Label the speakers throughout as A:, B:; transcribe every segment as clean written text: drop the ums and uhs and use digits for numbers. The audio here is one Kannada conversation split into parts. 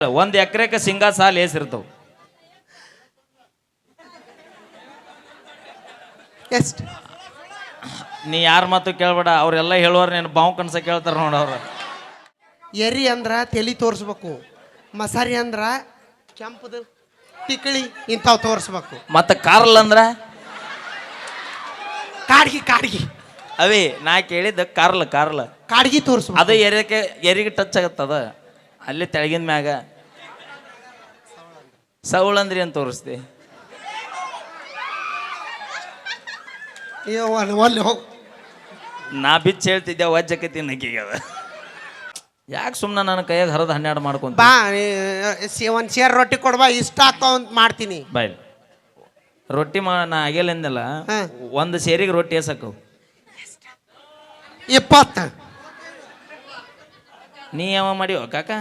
A: ಒಂದ್ ಎಕರೆಕ ಸಿಂಗಾ ಸಾಲ ಏಸಿರ್ತಾವ
B: ಎಷ್ಟು
A: ನೀ ಯಾರ ಮಾತು ಕೇಳ್ಬೇಡ ಅವ್ರೆಲ್ಲ ಹೇಳುವಾರ ನೀನು ಬಾವು ಕನ್ಸ ಕೇಳ್ತಾರ ನೋಡ ಅವ್ರ
B: ಎರಿ ಅಂದ್ರ ತಲಿ ತೋರಿಸ್ಬೇಕು ಮಸಾರಿ ಅಂದ್ರ ಕೆಂಪದ ಟಿಕಳಿ ಇಂಥವು ತೋರಿಸ್ಬೇಕು
A: ಮತ್ತ ಕಾರ್ಲ್ ಅಂದ್ರ
B: ಕಾಡ್ಗಿ
A: ಅವೇ ನಾ ಕೇಳಿದ್ದ ಕಾರ್ಲ್
B: ಕಾಡ್ಗಿ ತೋರಿಸ್ಬೇಕು
A: ಅದು ಎರಿಗೆ ಟಚ್ ಆಗತ್ತದ ಅಲ್ಲಿ ತೆಳಗಿನ ಮ್ಯಾಗ ಸೌಳಂದ್ರಿ ಅಂತ ತೋರಿಸ್ತಿ
B: ಒಲ್ಲಿ ಹೋಗಿ
A: ನಾ ಬಿಚ್ಚ ಹೇಳ್ತಿದ್ದೆ ವಜ್ಜಕೈತಿ ನಕ್ಕಿಗದ ಯಾಕೆ ಸುಮ್ಮನೆ ನನ್ನ ಕೈಯಾಗ ಹರಿದು 12 ಮಾಡ್ಕೊಂತ
B: ಬಾ ಒಂದು ಸೇರ್ ರೊಟ್ಟಿ ಕೊಡ್ಬಾ ಇಷ್ಟ ಆಗ್ತಾವ ಅಂತ ಮಾಡ್ತೀನಿ
A: ಬಾಯ್ ರೊಟ್ಟಿ ನಾ ಆಗಿಲ್ಲಂದಲ್ಲ ಒಂದು ಸೇರಿಗೆ ರೊಟ್ಟಿ ಎಸಕ್ಕವು
B: 20
A: ನೀ ಯಾವ ಮಾಡಿವ ಕಾಕ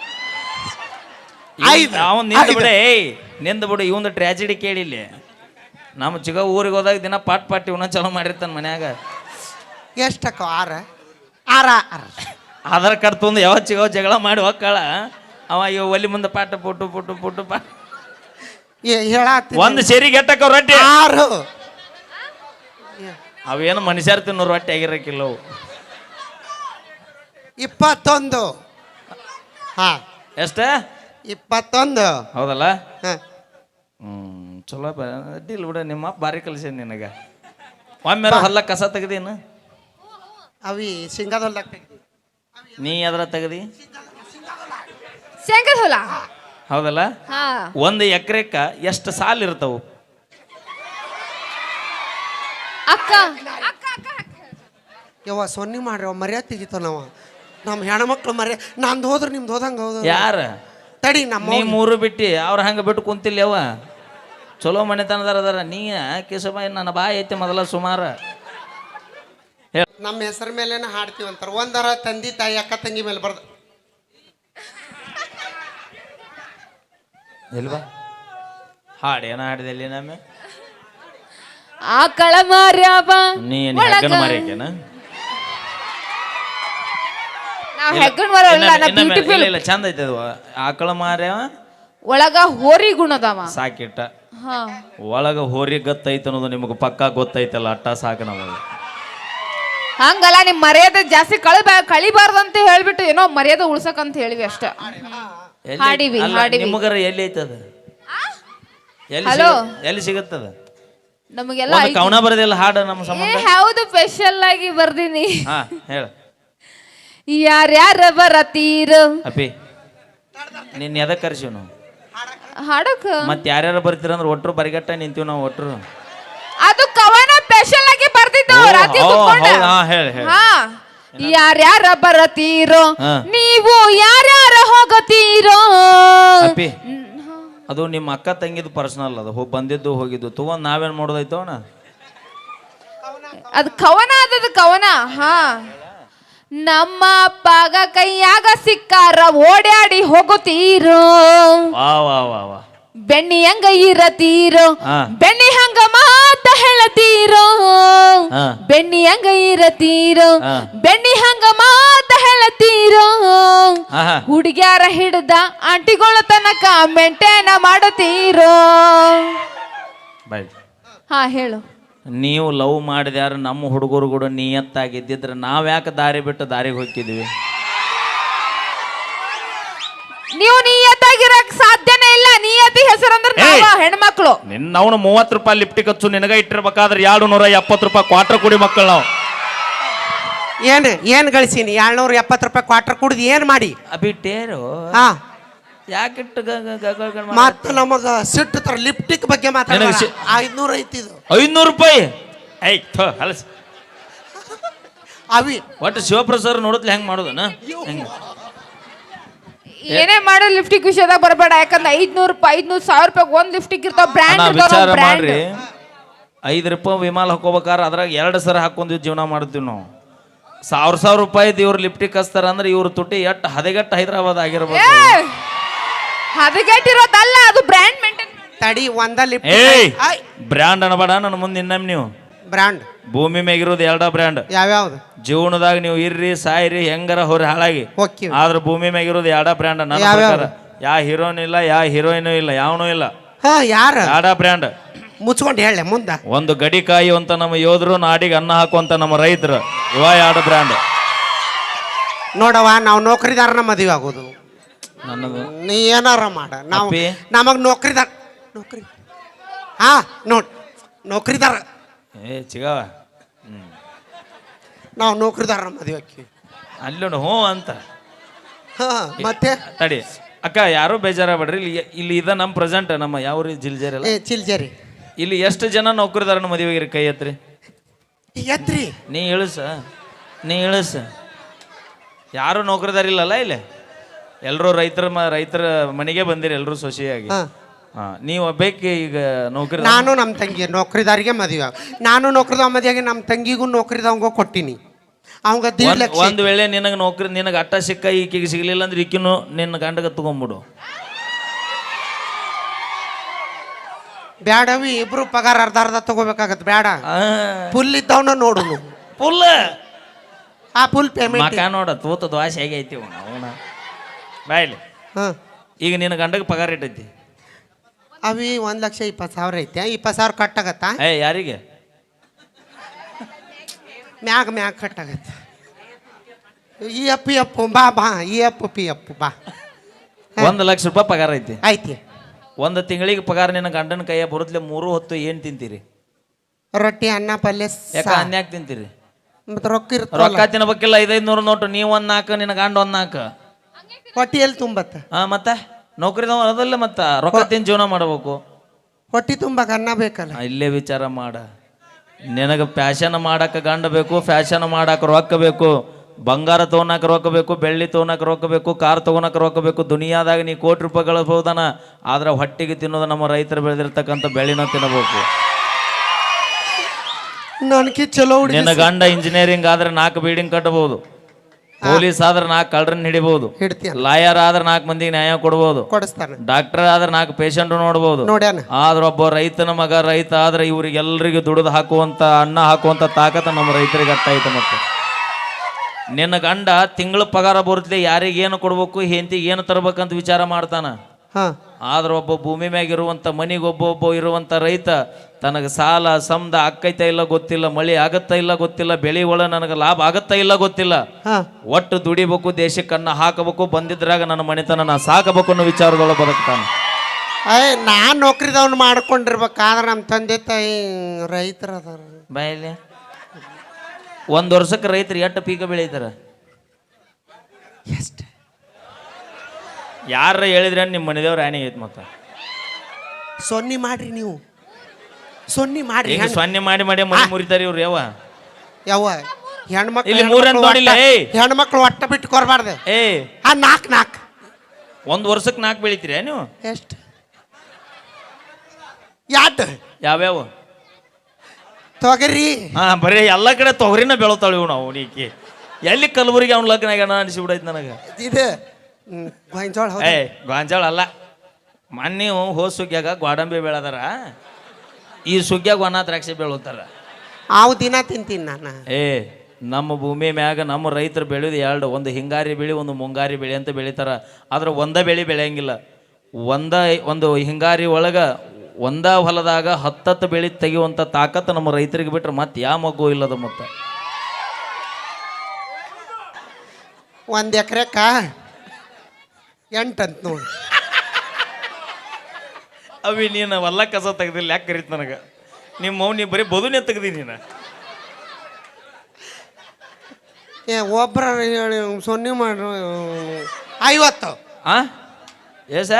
B: ಐದು.
A: ಅವನು ನಿಂದು ಬಿಡೆ ನಿಂದು ಬಿಡು ಇವಂದು ಟ್ರ್ಯಾಜಿಡಿ ಕೇಳಿಲ್ಲ ನಮ್ಮ ಚಿಗ ಊರಿಗೆ ಹೋದಾಗ ದಿನ ಪಾಟ್ ಇವನ ಚಲೋ ಮಾಡಿರ್ತಾನೆ ಮನ್ಯಾಗ
B: ಎಷ್ಟಕ್ಕ ಆರ
A: ಆಧಾರ್ ಕಾರ್ಡ್ ತಂದು ಯಾವ ಚಿಗವ ಜಗಳ ಮಾಡಿ ಹೋಗ್ಕಾಳ ಅವ ಇವ ಒಲಿ ಮುಂದೆ ಪಾಟ ಪುಟ್ಟು
B: ಹೇಳತ್ತೀನಿ
A: ಒಂದು ಸೇರಿಗೆ ಎಟ್ಟಕ್ಕ ರೊಟ್ಟಿ
B: 6
A: ಅವೇನು ಮನುಷ್ಯರ್ ತಿನ್ನೋ ರೊಟ್ಟಿ ಆಗಿರಕ್ಕಿಲ್ಲ ಅವು
B: 21 ಹಾ
A: ಎಷ್ಟ
B: 21
A: ಹೌದಲ್ಲ
B: ಹಾ
A: ಚಲೋ ಅಡ್ಡಿಲ್ಲ ಬಿಡ ನಿಮ್ಮ ಬಾರಿ ಕಲಿಸಿ ನಿನಗೆ ಒಮ್ಮೆ ಹೊಲ್ಲ ಕಸ ತೆಗ್ದೇನು
B: ಅವಿ ಶೇಂಗಾದೊಲ್ದಾಗ
A: ನೀ ಎದ್ರ ತೆಗ್ದಿ
C: ಶೇಂಗದ ಹೊಲ
A: ಹೌದಲ್ಲ
C: ಹಾ
A: ಒಂದು ಎಕರೆಕ ಎಷ್ಟು ಸಾಲ ಇರ್ತಾವು
C: ಅಕ್ಕ
B: ಯವ್ವ ಸೊನ್ನಿ ಮಾಡ್ರಿ ಮರ್ಯಾದೆ ತೆಗಿತಾವ ನಾವು ನಮ್ಮ ಹೆಣ್ಮಕ್ಳು ನಂದು ಹೋದ್ರೆ ನಿಮ್ದು ಹೋದಂಗೆ ಹೌದು
A: ಯಾರ
B: ತಡಿ ನಮ್ಮ
A: ನೀ ಮೂರು ಬಿಟ್ಟು ಅವ್ರ ಹಂಗೆ ಬಿಟ್ಟು ಕುಂತಿಲ್ಲ ಅವ ಚಲೋ ಮನೆತನದಾರ ಅದಾರ ನೀ ಕೇಶಬಾಯಿ ನನ್ನ ಬಾಯಿ ಐತೆ ಮೊದಲ ಸುಮಾರು
B: ನಮ್ಮ ಹೆಸರ ಮೇಲೇನೆ ಹಾಡ್ತೀವಿ ಅಂತಾರೆ ಒಂದರ ತಂದೆ ತಾಯಿ ಅಕ್ಕ ತಂಗಿ ಮೇಲೆ ಬರ್ದು
A: ಇಲ್ವಾ ಹಾಡೇನ ಹಾಡಿದಲ್ಲಿ ನಮ್ಮ
C: ಆಕಳ ಮಾರ್ಯಾವ
A: ನೀ ಹೆಗ್ಗನ ಮಾರಿಕೇನ
C: ನಾವ್ ಹೆಗ್ಗಣ ಮರಲ್ಲ ನಾ ಬ್ಯೂಟಿಫುಲ್
A: ಇಲ್ಲ ಚಂದ ಐತೆ ಅದು ಆಕಳ ಮಾರ್ಯಾವ
C: ಒಳಗ ಹೋರಿ ಗುಣದವ
A: ಸಾಕಿಟ್ಟ
C: ಹಾ
A: ಒಳಗ ಹೋರಿ ಗತ್ತೈತೆ ಅನ್ನೋದು ನಿಮಗೆ ಪಕ್ಕಾ ಗೊತ್ತೈತಲ್ಲ ಅಟ್ಟ ಸಾಕು ನಮಗೆ
C: ಹಂಗಲ್ಲ ನಿಮ್ ಮರ್ಯಾದೆ ಜಾಸ್ತಿ ಕಳಿಬಾರ್ದು ಅಂತ ಹೇಳ್ಬಿಟ್ಟು ಏನೋ ಮರ್ಯಾದೆ ಉಳ್ಸಕ್ ಅಂತ ಹೇಳಿವಿ ಅಷ್ಟ ಹಾಡಿವಿ
A: ನಿಮಗರ ಎಲ್ಲಿ ಐತದ
C: ಹಲೋ
A: ಎಲ್ಲಿ ಸಿಗುತ್ತದ
C: ನಮಗೆಲ್ಲ
A: ಒಂದು ಕವನ ಬರದಿಲ್ಲ ಹಾಡು ನಮ್ಮ ಸಂಬಂಧ
C: ಹೌದು ಸ್ಪೆಷಲ್ ಆಗಿ ಬರ್ದೀನಿ
A: ಹಾ ಹೇಳ
C: ಯಾರ್ಯಾರ ಬರತೀರು
A: ಅಪ್ಪಿ ನಿನ್ನ ಎದಕ್ಕೆ ಕರ್ಸಿವ್ ನಾವು
C: ಹಾಡಕ್
A: ಮತ್ತೆ ಯಾರ್ಯಾರು ಬರ್ತೀರ ಅಂದ್ರೆ ಒಟ್ರು ಬರಿಗಟ್ಟ ನಿಂತೀವಿ ನಾವು ಒಟ್ರು
C: ಅದು ಕವನ ಸ್ಪೆಷಲ್ ಆಗಿ ಬರ್ತಿದ್ದು ರಾತ್ರಿ ಕುತ್ಕೊಂಡು. ಹಾ ಯಾರ್ಯಾರ ಬರತೀರೋ
A: ಹಾ.
C: ನೀವು ಯಾರ್ಯಾರ ಹೋಗತೀರೋ
A: ಅಪ್ಪಿ ಅದು ನಿಮ್ಮ ಅಕ್ಕ ತಂಗಿದು ಪರ್ಸನಲ್ ಅದು ಬಂದಿದ್ದು ಹೋಗಿದ್ದು ತಗೊಂಡ್ ನಾವೇನ್ ಮಾಡೋದೈತೋ ಅಣ್ಣ
C: ಅದು ಕವನ ಅದದು ಕವನ ಹಾ ನಮ್ಮ ಅಪ್ಪಗ ಕೈಯಾಗ ಸಿಕ್ಕಾರ ಓಡಾಡಿ ಹೋಗುತ್ತೀರೋ
A: ವಾ ವಾ ವಾ ವಾ
C: ಬೆಣ್ಣಿ ಹಂಗ ಇರತೀರೋ
A: ಹಾ.
C: ಬೆಣ್ಣಿ ಹಂಗ ಮಾತ ಹೇಳತೀರೋ
A: ಹಾ.
C: ಬೆಣ್ಣಿ ಹಂಗ ಇರತೀರೋ
A: ಹಾ.
C: ಬೆಣ್ಣಿ ಹಂಗ ಮಾತ ಹೇಳತೀರೋ
A: ಆಹಾ.
C: ಹುಡುಗ್ಯಾರ ಹಿಡ್ದ ಆಂಟಿಗಳ ತನಕ ಮೆಂಟೇನ ಮಾಡತೀರೋ
A: ಬಾಯ್
C: ಹಾ ಹೇಳು
A: ನೀವು ಲವ್ ಮಾಡಿದ್ಯಾರ ನಮ್ಮ ಹುಡುಗರು ಕೂಡ ನಿಯತ್ತಾಗಿದ್ದಿದ್ರೆ ನಾವ್ ಯಾಕೆ ದಾರಿ ಬಿಟ್ಟು ದಾರಿಗೆ ಹೋಗಿದ್ವಿ
C: ನೀವು ನಿಯತ್ತಾಗಿರಕ್ ಸಾಧ್ಯನೇ ಇಲ್ಲ ನಿಯತಿ ಹೆಸರಂದ್ರೆ ನಾವ ಹೆಣ್ಮಕ್ಳು
A: ನಿನ್ನವನು 30 ರೂಪಾಯಿ ಲಿಫ್ಟಿಗೆ ಹಚ್ಚು ನಿನಗ ಇಟ್ಟಿರ್ಬೇಕಾದ್ರೆ 270 ರೂಪಾಯಿ ಕ್ವಾರ್ಟರ್ ಕುಡಿ ಮಕ್ಕಳು ನಾವು
B: ಏನು ಗಳಿಸೀನಿ 270 ರೂಪಾಯಿ ಕ್ವಾರ್ಟರ್ ಕುಡ್ದು ಏನು ಮಾಡಿ
A: ಅಬಿಟ್ಟೇರು
B: ಹಾ
A: ಯಾಕಿಟ್ಟು
B: ಮತ್ತೆ ನಮಗ ಸಿಟ್ಟು ತರ ಲಿಫ್ಟಿಕ್ ಬಗ್ಗೆ ಮಾತಾಡ
A: ನಿನಗೆ
B: 500 ಐತಿ ಇದು
A: 500 ರೂಪಾಯಿ ಐ ಹಲಸ್
B: ಅವಿ
A: ಒಟ್ಟು ಶಿವಪ್ರಸಾದ್ ನೋಡಿದ್ಲಿ ಹೆಂಗ್ ಮಾಡೋದನ ಹೆಂಗ
C: ಏನೇ ಮಾಡೋ ಲಿಫ್ಟಿಕ್ ವಿಷಯದಾಗ ಬರಬೇಡ ಯಾಕಂದ್ರೆ 500 ರೂಪಾಯಿ 500 ರೂಪಾಯಿ ಒಂದ್ ಲಿಫ್ಟಿಕ್ ಇರ್ತಾವ ಬ್ರ್ಯಾಂಡ್
A: ವಿಚಾರ
C: ಬ್ರ್ಯಾಂಡ್
A: ಮಾಡ್ರಿ 5 ರೂಪಾಯಿ ವಿಮಾನ ಹಾಕೋಬೇಕಾರ ಅದ್ರಾಗ 2 ಸರ ಹಾಕೊಂಡ್ ಜೀವನ ಮಾಡ್ತೀವಿ ನಾವು 1000 ರೂಪಾಯಿ ಇವ್ರು ಲಿಫ್ಟಿಕ್ ಹಚ್ತಾರ ಅಂದ್ರೆ ಇವ್ರ ತುಟಿ ಎಟ್ಟು ಹದಗೆಟ್ಟು ಹೈದರಾಬಾದ್ ಆಗಿರ್ಬೇಕು
C: ಹದಗೆಟ್ಟಿರೋದಲ್ಲ ಅದು ಬ್ರ್ಯಾಂಡ್ ಮೇಂಟೈನ್
B: ತಡಿ ಒಂದ ಲಿಫ್ಟ್
A: ಏಯ್ ಬ್ರ್ಯಾಂಡ್ ಅನ್ಬೇಡ ನನ್ನ ಮುಂದೆ ಇನ್ನೊಮ್ಮೆ ನೀವು
B: ಬ್ರ್ಯಾಂಡ್
A: ಭೂಮಿ ಮ್ಯಾಗಿರೋದು 2 ಬ್ರ್ಯಾಂಡ್
B: ಯಾವ್ಯಾವ್ದು
A: ಜೀವನದಾಗ ನೀವು ಇರ್ರಿ ಸಾಯ್ರಿ ಹೆಂಗಾರ ಹೊರ ಹಾಳಾಗಿ
B: ಹೋಗ್ತೀವಿ
A: ಆದ್ರೆ ಭೂಮಿ ಮ್ಯಾಗಿರೋದು 2 ಬ್ರ್ಯಾಂಡ್ ನನ್ನ
B: ಯಾವ್ಯಾವ್ದು?
A: ಪ್ರಕಾರ ಯಾ ಹೀರೋನ್ ಇಲ್ಲ ಯಾ ಹೀರೋಯಿನೂ ಇಲ್ಲ ಯಾವನೂ ಇಲ್ಲ.
B: ಹಾ ಯಾರ
A: ಯಾಡ ಬ್ರ್ಯಾಂಡ್
B: ಮುಚ್ಕೊಂಡು ಹೇಳ ಮುಂದ.
A: ಒಂದು ಗಡಿ ಕಾಯುವಂತ ನಮ್ಮ ಯೋಧರು, ನಾಡಿಗೆ ಅನ್ನ ಹಾಕುವಂತ ನಮ್ಮ ರೈತರು, ಇವ ಎರಡು ಬ್ರ್ಯಾಂಡ್.
B: ನೋಡವ ನಾವು ನೌಕರಿದಾರನ ಮದುವೆ ಆಗೋದು.
A: ನನ್ನದು
B: ನೀ ಏನಾರ ಮಾಡ, ನಾವು
A: ಅಪ್ಪಿ.
B: ನಮಗ್ ನೌಕರಿ ಹಾ ನೌಕರಿದಾರ
A: ಚಿಗವ
B: ನಾವು ನೌಕರಿದಾರನ ಮದುವೆ ಆಕಿ
A: ಅಲ್ಲಿ ಹ್ಞೂ ಅಂತ.
B: ಹಾ ಮತ್ತೆ
A: ತಡಿ ಅಕ್ಕ, ಯಾರು ಬೇಜಾರಾಗ್ಬೇಡ್ರಿ. ಇಲ್ಲಿ ಇದ ನಮ್ಮ ಪ್ರೆಸೆಂಟ್ ನಮ್ಮ ಯಾವ ಜಿಲ್ಜೇರಿ ಅಲ್ಲ,
B: ಚಿಲ್ಜರಿ.
A: ಇಲ್ಲಿ ಎಷ್ಟು ಜನ ನೌಕರಿದಾರನ ಮದುವೆಗಿರಿ ಕೈ ಎತ್ರಿ.
B: ಎತ್ರಿ
A: ನೀ ಇಳಿಸ. ಯಾರು ನೌಕರಿದಾರ ಇಲ್ಲಲ್ಲ ಇಲ್ಲಿ, ಎಲ್ಲರೂ ರೈತರ ಮನೆಗೆ ಬಂದಿರಿ, ಎಲ್ಲರೂ ಸೊಸೆಯಾಗಿ. ಹಾ ನೀವು ಒಬ್ಬಕ್ಕೆ ಈಗ ನೌಕರಿ.
B: ನಾನು ನಮ್ಮ ತಂಗಿ ನೌಕರಿದಾರಿಗೆ ಮದುವೆ. ನಾನು ನೌಕರಿದಾವ ಮದುವೆಗೆ ನಮ್ಮ ತಂಗಿಗೂ ನೌಕರಿದವಂಗ ಕೊಟ್ಟಿನಿ. ಅವಂಗ 1.5 ಲಕ್ಷ.
A: ಒಂದು ವೇಳೆ ನಿನಗೆ ಅಟ್ಟ ಸಿಕ್ಕ ಈಕೆಗೆ ಸಿಗ್ಲಿಲ್ಲ ಅಂದ್ರೆ ಈಕಿನು ನಿನ್ನ ಗಂಡಗ ತಗೊಂಡ್ಬಿಡು.
B: ಬ್ಯಾಡವಿ, ಇಬ್ರು ಪಗಾರ ಅರ್ಧ ತಗೋಬೇಕಾಗತ್ತೆ. ಬೇಡ, ಫುಲ್ ಇದ್ದವನ ನೋಡು.
A: ಫುಲ್
B: ಆ ಫುಲ್ ಪೇಮೆಂಟ್
A: ಮಕ ನೋಡ ತೂತ ದ್ವಾಸೆ ಹೇಗೆ ಐತಿ ಅವನ ಬಾಯ್ಲಿ. ಈಗ ನಿನ್ನ ಗಂಡಗೆ ಪಗಾರ ಇಟ್ಟೈತಿ
B: ಅವಿ 1,20,000 ಐತೆ. 20,000 ಕಟ್ಟಾಗತ್ತಾ?
A: ಯಾರಿಗೆ?
B: ಮ್ಯಾಗ ಕಟ್ಟಾಗತ್ತೆ. ಈ ಅಪ್ಪು ಬಾ ಈ ಅಪ್ಪು ಬಾ.
A: 1,00,000 ರೂಪಾಯಿ ಪಗಾರ ಐತಿ.
B: ಐತಿ.
A: ಒಂದು ತಿಂಗಳಿಗೆ ಪಗಾರ ನಿನ್ನ ಗಂಡನ ಕೈಯ ಬರುತ್ತಲೆ 3 ಹೊತ್ತು ಏನು ತಿಂತೀರಿ?
B: ರೊಟ್ಟಿ, ಅನ್ನ, ಪಲ್ಯ.
A: ಯಾಕ ಅನ್ಯಾಕ ತಿಂತೀರಿ?
B: ಮತ್ತೆ ರೊಕ್ಕ ಇರ್ತಲ್ಲ.
A: ರೊಕ್ಕ ತಿನ್ನಬೇಕಿಲ್ಲ. 500 ನೋಟು, ನೀವು 1 4, ನಿನ್ನ ಗಂಡ 1 4.
B: ಹೊಟ್ಟಿ ಎಲ್ಲಿ ತುಂಬತ್ತ?
A: ಮತ್ತೆ ನೌಕರಿದವ ಅದಲ್ಲ, ಮತ್ತ ರೊಕ್ಕ ತಿಂದು ಜೀವನ ಮಾಡಬೇಕು.
B: ಹೊಟ್ಟಿ ತುಂಬಕ್ಕೆ ಅನ್ನ ಬೇಕಲ್ಲ.
A: ಇಲ್ಲೇ ವಿಚಾರ ಮಾಡ. ನಿನಗೆ ಫ್ಯಾಷನ್ ಮಾಡಕ್ಕೆ ಗಂಡ ಬೇಕು, ಫ್ಯಾಷನ್ ಮಾಡಕ್ಕೆ ರೊಕ್ಕ ಬೇಕು, ಬಂಗಾರ ತೊಗೊಳಕ್ಕೆ ರೊಕ್ಕ ಬೇಕು, ಬೆಳ್ಳಿ ತೊಗೊಳಕ್ಕೆ ರೊಕ್ಕ ಬೇಕು, ಕಾರ್ ತೊಗೊಳಕ್ಕೆ ರೊಕ್ಕ ಬೇಕು. ದುನಿಯಾದಾಗ ನೀ ಕೋಟಿ ರೂಪಾಯಿ ಗಳಿಸ್ಬೋದನ, ಆದ್ರೆ ಹೊಟ್ಟಿಗೆ ತಿನ್ನೋದು ನಮ್ಮ ರೈತರು ಬೆಳೆದಿರ್ತಕ್ಕಂಥ ಬೆಳೆನ ತಿನ್ನಬೇಕು.
B: ನನಗೆ ಚಲೋ.
A: ನಿನ್ನ ಗಂಡ ಇಂಜಿನಿಯರಿಂಗ್ ಆದ್ರೆ 4 ಬಿಲ್ಡಿಂಗ್ ಕಟ್ಟಬಹುದು, ಪೊಲೀಸ್ ಆದ್ರೆ 4 ಕಳ್ಳರನ್ನ ಹಿಡಿಬಹುದು, ಲಾಯರ್ ಆದ್ರೆ 4 ಮಂದಿಗೆ ನ್ಯಾಯ ಕೊಡ್ಬೋದು,
B: ಕೊಡಿಸ್ತಾನೆ.
A: ಡಾಕ್ಟರ್ ಆದ್ರೆ 4 ಪೇಷಂಟ್ ನೋಡ್ಬೋದು. ಆದ್ರೆ ಒಬ್ಬ ರೈತನ ಮಗ ರೈತ ಆದ್ರೆ ಇವ್ರಿಗೆಲ್ಲರಿಗೂ ದುಡಿದು ಹಾಕುವಂತ, ಅನ್ನ ಹಾಕುವಂತ ತಾಕತ್ತ ನಮ್ಮ ರೈತರಿಗೆ ಅಟ್ಟಾಯ್ತು. ಮತ್ತೆ ನಿನ್ನ ಗಂಡ ತಿಂಗಳ ಪಗಾರ ಬರುತ್ತಲೆ ಯಾರಿಗೇನು ಕೊಡ್ಬೇಕು, ಹೆಂಡತಿಗೆ ಏನು ತರ್ಬೇಕಂತ ವಿಚಾರ ಮಾಡ್ತಾನ. ಆದ್ರೆ ಒಬ್ಬ ಭೂಮಿ ಮ್ಯಾಗ ಇರುವಂತ ಮನಿಗೆ ಒಬ್ಬ ಇರುವಂತ ರೈತ ತನಗೆ ಸಾಲ ಸಮದ ಆಕ್ಕೈತ ಇಲ್ಲ ಗೊತ್ತಿಲ್ಲ, ಮಳಿ ಆಗತ್ತ ಇಲ್ಲ ಗೊತ್ತಿಲ್ಲ, ಬೆಳೆ ಒಳ ನನಗೆ ಲಾಭ ಆಗತ್ತ ಇಲ್ಲ ಗೊತ್ತಿಲ್ಲ, ಒಟ್ಟು ದುಡಿಬೇಕು, ದೇಶಕ್ಕೆ ಅನ್ನ ಹಾಕಬೇಕು, ಬಂದಿದ್ರಾಗ ನನ್ನ ಮನೆತನ ನಾ ಸಾಕಬೇಕು ಅನ್ನೋ ವಿಚಾರದೊಳಗೆ ಬದುಕ್ತಾನೆ.
B: ನಾನ್ ನೌಕರಿದವ್ನು ಮಾಡ್ಕೊಂಡಿರ್ಬೇಕಾದ್ರೆ ನಮ್ಮ ತಂದೆ ತಾಯಿ ರೈತರ ಅದಾರ.
A: ಬಾಯಲ್ಲಿ 1 ವರ್ಷಕ್ಕೆ ರೈತರು ಎಷ್ಟು ಪೀಕ ಬೆಳೀತಾರ?
B: ಎಷ್ಟು?
A: ಯಾರ ಹೇಳಿದ್ರೆ ನಿಮ್ಮ ಮನೆದೇವ್ರ ಆಣಿ ಐತಿ. ಮತ್ತ
B: ಸೊನ್ನಿ ಮಾಡ್ರಿ, ನೀವು ಸೊನ್ನಿ ಮಾಡ್ರಿ.
A: ಸೊನ್ನೆ ಮಾಡಿ ಮನೆ ಮುರಿತಾರ ಇವ್ರು. ಯಾವ
B: ಹೆಣ್ಮಕ್ಳು
A: ಇಲ್ಲಿ 3 ಅಂತ ನೋಡಿಲ್ಲ.
B: ಹೆಣ್ಮಕ್ಳು ಒಟ್ಟ ಬಿಟ್ಟು ಕೊರಬಾರ್ದು. 4
A: 1 ವರ್ಷಕ್ಕೆ 4 ಬೆಳಿತೀರ ನೀವು?
B: ಎಷ್ಟು?
A: ಯಾವ್ಯಾವ?
B: ತೊಗರಿ.
A: ಬರೀ ಎಲ್ಲ ಕಡೆ ತೊಗರಿನ ಬೆಳತಾಳ ಇವ್ ನಾವು. ನೀಕಿ ಎಲ್ಲಿ ಕಲಬುರಗಿ ಅವ್ನ ಲಗ್ನ ಆಗ್ಯಾನ ಅನಿಸ್ಬಿಡೈತಿ ನನಗೆ.
B: ಇದು ಗೊಂಜಾಳ.
A: ಗೊಂಜಾಳ ಅಲ್ಲ, ಮೊನ್ನೆ ಹೋದ ಸುಗ್ಗ್ಯಾಗ ಗೋಡಂಬಿ ಬೆಳೆದಾರ, ಈ ಸುಗ್ಗ್ಯಾಗ ಒಣ ದ್ರಾಕ್ಷಿ ಬೆಳತಾರ.
B: ಅವು ದಿನ ತಿಂತೀನಿ ನಾನು.
A: ನಮ್ಮ ಭೂಮಿ ಮ್ಯಾಗ ನಮ್ಮ ರೈತರು ಬೆಳೆಯೋದು 2, ಒಂದು ಹಿಂಗಾರಿ ಬೆಳೆ, ಒಂದು ಮುಂಗಾರಿ ಬೆಳೆ ಅಂತ ಬೆಳಿತಾರ. ಆದ್ರೆ ಒಂದ ಬೆಳೆ ಬೆಳೆಯಂಗಿಲ್ಲ. ಒಂದು ಹಿಂಗಾರಿ ಒಳಗ ಒಂದ ಹೊಲದಾಗ 10 ಬೆಳೆ ತೆಗೆಯುವಂಥ ತಾಕತ್ತು ನಮ್ಮ ರೈತರಿಗೆ ಬಿಟ್ರೆ ಮತ್ತೆ ಯಾವ ಮಗು ಇಲ್ಲದ. ಮತ್ತೆ
B: 1 ಎಕರೆಕ 8 ಅಂತ ನೋಡಿ.
A: ಅವಿ ನೀನು ಹೊಲ ಕಸ ತೆಗ್ದಿಲ್ಲ ಯಾಕೆ ಕರೀತ ನನಗೆ? ನಿಮ್ಮ ಮೌನಿ ಬರೀ ಬದುನೇ ತೆಗ್ದಿ ನೀನು.
B: ಒಬ್ಬರ ಸೊನ್ನೆ ಮಾಡ್ರು 50.
A: ಏಸ?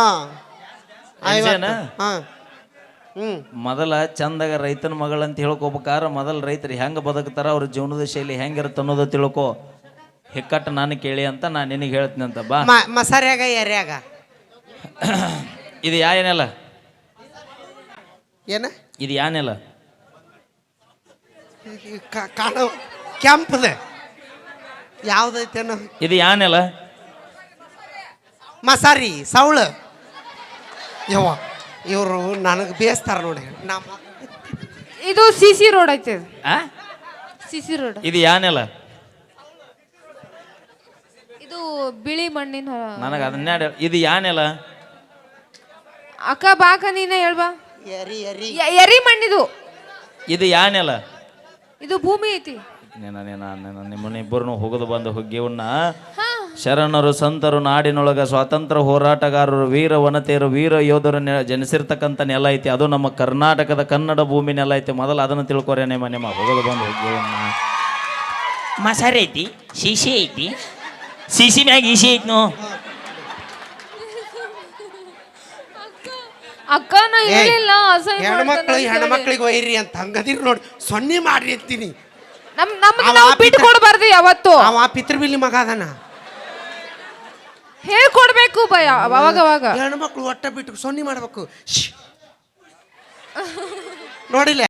A: ಮೊದಲ ಚಂದಾಗ ರೈತನ ಮಗಳಂತ ಹೇಳ್ಕೊಬೇಕಾರ ಮೊದಲ ರೈತರು ಹೆಂಗೆ ಬದುಕ್ತಾರ, ಅವ್ರ ಜೀವನದ ಶೈಲಿ ಹೆಂಗಿರುತ್ತೆ ಅನ್ನೋದು ತಿಳ್ಕೊ. ಹಿಕ್ಕಟ್ಟು ನಾನು ಕೇಳಿ ಅಂತ ನಾನು ನಿನಗೆ ಹೇಳ್ತೀನಿ ಅಂತ. ಬಾ
B: ಮಸಾರ್ಯಾಗ ಎರ್ಯಾಗ
A: ಇದು ಏನೆಲ್ಲ?
B: ಏನ
A: ಇದು ಯಾನೆಲ್ಲ?
B: ಕಾಣೋ ಕೆಂಪದ ಯಾವ್ದೈತೇನೋ.
A: ಇದು ಯಾನೆಲ್ಲ?
B: ಮಸಾರಿ ಸೌಳು. ಯವ್ವ ಇವರು ನನಗೆ ಬೇಸ್ತಾರ ನೋಡಿ.
C: ಇದು ಸಿಸಿ ರೋಡ್ ಐತೆ. CC road.
A: ಇದು ಯಾನೆಲ್ಲ?
C: ಇದು ಇದು ಬಿಳಿ ಮಣ್ಣಿನ
A: ನನಗೆ ಅದನ್ನೇ ಇದು ಯಾನೆಲ್ಲ
C: ಅಕ್ಕ ಬಾಕ ನೀನೇ ಹೇಳ್ಬಾ.
B: ಎರಿ ಎರಿ
C: ಎರಿ ಮಣ್ಣಿದು.
A: ಇದು ಯಾನೆಲ್ಲ
C: ಇದು ಭೂಮಿ ಐತಿ.
A: ನಿಮ್ಮನ್ನಿಬ್ಬರನ್ನು ಹೋಗದು ಬಂದು ಹುಗ್ಗಿವನ್ನ ಶರಣರು ಸಂತರು ನಾಡಿನೊಳಗ ಸ್ವಾತಂತ್ರ್ಯ ಹೋರಾಟಗಾರರು ವೀರ ವನತೆಯರು ವೀರ ಯೋಧರು ಜನಿಸಿರ್ತಕ್ಕಂಥ ನೆಲ ಐತಿ. ಅದು ನಮ್ಮ ಕರ್ನಾಟಕದ ಕನ್ನಡ ಭೂಮಿ ನೆಲ ಐತಿ. ಮೊದಲು ಅದನ್ನು ತಿಳ್ಕೊರೆ ನಿಮ್ಮ ಹೋಗದು ಬಂದು ಹುಗ್ಗಿವನ್ನ. ಮಸಾರೆ ಐತಿ, ಶಿಶಿ ಐತಿ, ಶಿಶಿ ಮ್ಯಾಗ ಈಸಿ ಐತಿ ನೋ.
C: ಅಕ್ಕ ನಾ ಹೇಳಿಲ್ಲ
B: ಹೆಣ್ಮಕ್ಳಿಗೆ ಒಯ್ರಿ ಅಂತ ಹಂಗದಿರ್ ನೋಡಿ ಸೊನ್ನೆ ಮಾಡ್ರಿ ಅಂತೀನಿ.
C: ನಾವು ಬಿಟ್ಟು ಕೊಡ್ಬಾರ್ದು ಯಾವತ್ತು.
B: ಅವ ಪಿತೃಬಿಲಿ ಮಗ ಅದನ
C: ಹೇಳ್ಕೊಡ್ಬೇಕು ಭಯ ಅವಾಗ ಅವಾಗ.
B: ಹೆಣ್ಮಕ್ಳು ಒಟ್ಟ ಬಿಟ್ಟು ಸೊನ್ನೆ ಮಾಡ್ಬೇಕು ನೋಡಿಲ್ಲ.